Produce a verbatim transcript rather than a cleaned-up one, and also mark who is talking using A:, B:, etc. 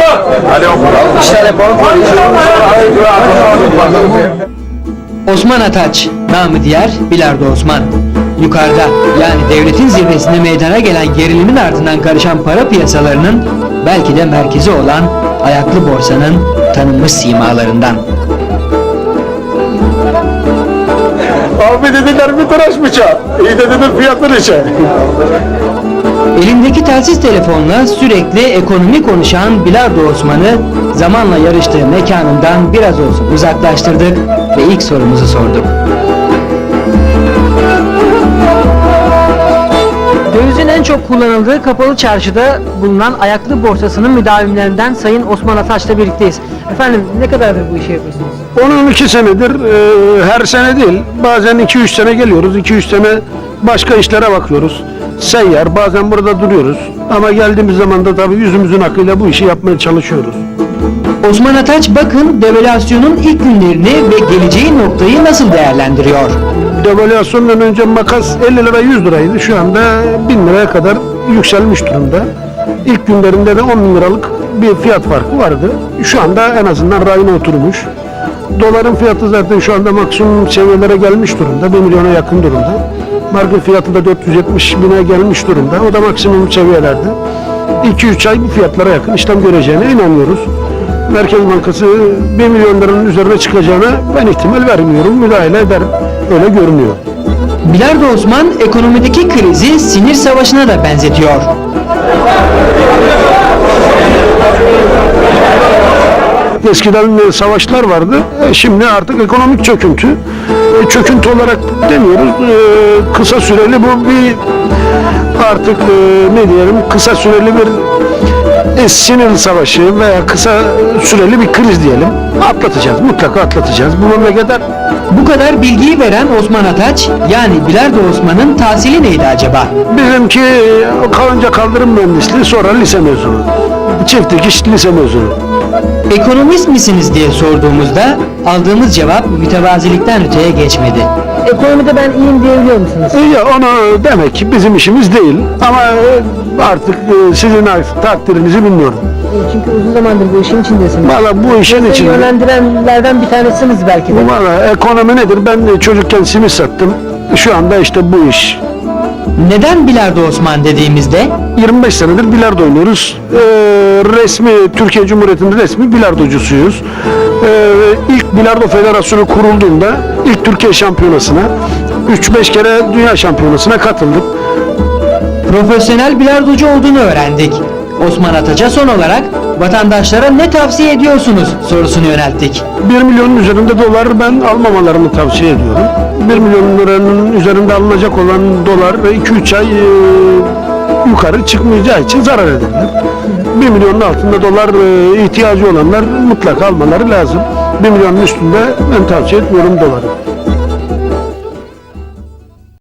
A: Osman Ataç, namı diğer Bilardo Osman. Yukarıda, yani devletin zirvesinde meydana gelen gerilimin ardından karışan para piyasalarının belki de merkezi olan ayaklı borsanın tanınmış simalarından.
B: Abi dediler bir tıraş bıçağı. İyi de dedim fiyatlar içe.
A: Elindeki telsiz telefonla sürekli ekonomi konuşan Bilardo Osman'ı zamanla yarıştığı mekanından biraz olsun uzaklaştırdık ve ilk sorumuzu sorduk. Dövizin en çok kullanıldığı kapalı çarşıda bulunan ayaklı borsasının müdavimlerinden Sayın Osman Ataç'la birlikteyiz. Efendim ne kadardır bu işi yapıyorsunuz?
B: on iki senedir, e, her sene değil, bazen iki üç sene geliyoruz, iki üç sene başka işlere bakıyoruz. Seyyar, bazen burada duruyoruz ama geldiğimiz zaman da tabii yüzümüzün akıyla bu işi yapmaya çalışıyoruz.
A: Osman Ataç bakın devalüasyonun ilk günlerini ve geleceği noktayı nasıl değerlendiriyor?
B: Devalüasyondan önce makas elli lira yüz liraydı, şu anda bin liraya kadar yükselmiş durumda. İlk günlerinde de on bin liralık bir fiyat farkı vardı. Şu anda en azından rayına oturmuş. Doların fiyatı zaten şu anda maksimum seviyelere gelmiş durumda, bir milyona yakın durumda. Marka fiyatı da dört yüz yetmiş bine gelmiş durumda, o da maksimum seviyelerde. iki üç ay bu fiyatlara yakın işlem göreceğine inanıyoruz. Merkez Bankası bir milyon liranın üzerine çıkacağına ben ihtimal vermiyorum, müdahale eder, öyle görünüyor.
A: Bilardo Osman ekonomideki krizi sinir savaşına da benzetiyor.
B: Eskiden savaşlar vardı, şimdi artık ekonomik çöküntü. Çöküntü olarak demiyoruz, kısa süreli bu bir artık ne diyelim, kısa süreli bir sinir savaşı veya kısa süreli bir kriz diyelim. Atlatacağız, mutlaka atlatacağız. Bu memleketler.
A: Bu kadar bilgiyi veren Osman Ataç, yani Bilardo Osman'ın tahsili neydi acaba?
B: Bizimki kalınca kaldırım mühendisliği, sonra lise mezunu. Çift dikiş lise mezunu.
A: Ekonomist misiniz diye sorduğumuzda aldığımız cevap mütevazilikten öteye geçmedi. Ekonomide ben iyiyim diyebiliyor musunuz?
B: Ya onu demek ki bizim işimiz değil ama artık sizin takdirinizi bilmiyorum.
A: Çünkü uzun zamandır bu işin içindesiniz.
B: Valla bu işin içinde.
A: Yönlendirenlerden bir tanesiniz belki de.
B: Valla ekonomi nedir? Ben de çocukken simit sattım. Şu anda işte bu iş.
A: Neden Bilardo Osman dediğimizde?
B: yirmi beş senedir bilardo oynuyoruz. Ee, resmi, Türkiye Cumhuriyeti'nin resmi bilardocusuyuz. Ee, ilk Bilardo Federasyonu kurulduğunda ilk Türkiye Şampiyonası'na, üç beş kere Dünya Şampiyonası'na katıldık.
A: Profesyonel bilardocu olduğunu öğrendik. Osman Ataç'a son olarak vatandaşlara ne tavsiye ediyorsunuz sorusunu yönelttik.
B: bir milyonun üzerinde dolar ben almamalarını tavsiye ediyorum. bir milyon liranın üzerinde alınacak olan dolar iki üç ay e, yukarı çıkmayacağı için zarar ederler. bir milyonun altında dolar e, ihtiyacı olanlar mutlaka almaları lazım. bir milyonun üstünde ben tavsiye etmiyorum doları.